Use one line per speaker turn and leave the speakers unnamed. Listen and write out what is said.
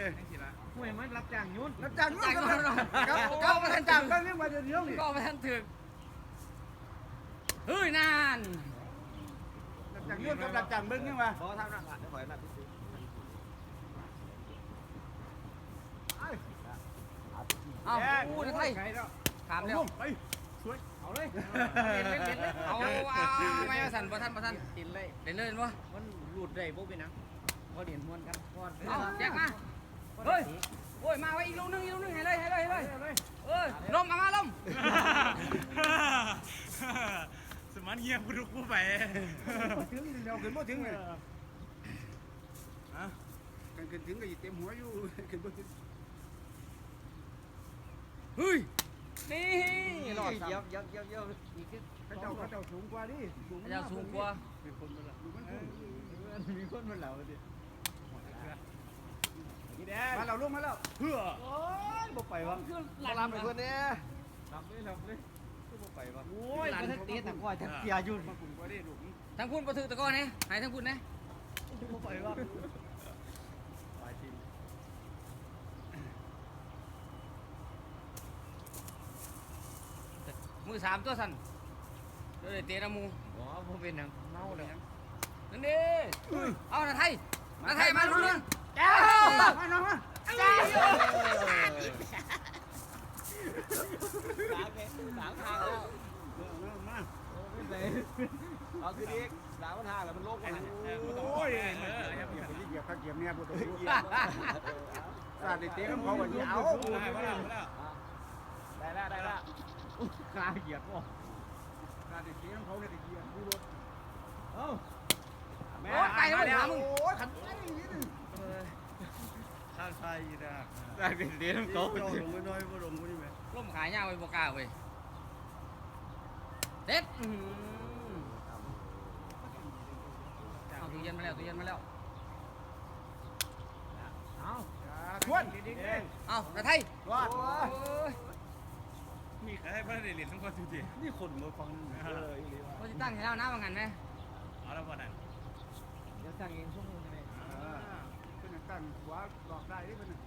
ห่วยมันรับจ้างยุ่น
รับจ้างยุ่นก็มาทันจ้างก็เรียกว่าเดี๋ยวนี่
ก็มาทันถึกเฮ้ยนาน
รับจ้างยุ่นกับรับจ้างเบิ้งนี่มา
เพราะทำหน้าผ่านได้ขอยหน้าพิเศษ
เอ้าพูดไทยถามเร็ว
ไปสวยเอาเลย
เอาไม่มาสั่นบ่ทันกินเลยเล่นเลยบ่
มันหลุดได้พวกเป็นนังพอเดียนมวนกันพอ
เอาแยกมาเฮ้ยโอ้ยมาไว้อีกลูกนึงให้เลยลมมาลม
สมานเงียบรุกผู้ไป
ถึงเดี๋ยวขึ้นบ่ถึงเลยกันขึ้นถึงก็อยู่เต็มหัวอยู่ขึ้นบ่ถึง
เฮ้ยนี่หลอด
เยี่ยมอีก
เขาเจ้าสูงกว่าดิ
เจ้าสูงกว่า
มีคนมาเหล่าดิมาเราลงมาแล้วเพื่อโอ้ยบ่ไปวะ
มาลำไปคนนี้
หลับเลยก็บ่ไปวะ
โอ้ยมันเตะตะก้อยตะเกียร์ยุ่น
มากุ่มกว่าดิลูก
ทั้งคุณประถือตะก้อนนี่หายทั้งคุณนะ
บ่ไปวะ
ไปจริง
มือ3ตัวสั่นเดี๋ยวเตะน้ำมู
อ๋อบ่เป็นนังเมาเลย
นั่นดิเอาหน้าไทยมาลุ้น
แก้วมาน้องมา
ล้างทางแล้ว
มา
เอาคือดีล้างทางแล้วมันโล่งกัน
โอ้ยเหยียบข้างเหยียบเนี่ยบ่ต้องเหยียบสาดเตะกับเขาว่าเอา
ได้แล้ว
กลาเหยียบบ่
สาดเตะกับเขาเนี่ยเหยียบดูรถ
เอ้า
โอ้ยไปแล้วมึง
โอ้ยขันไปนี่
ข้างซ้ายอีนะได้เป็นเลี้ยงเขาลงไปน้อยบ่ลงบ่นี่แม่
ร่มขายยาวไปบ่กล้าเว้ยเด็ดเอาตู้เย็นมาแล้ว
เอ้า
ชวน
เอาหน้าไทย
รอด
มีใครให้เพื่อนได้เรียนทั้งคนจริงๆนี่คนมาฟัง
เขาจะตั้งให้เราน้ำว่างั้นไหม
เอาแล้ววันนั้น
เดี๋ยวสั่งเองช่วงนึงเลย
เป็นตั้งหัวหลอกได้ที่เป็น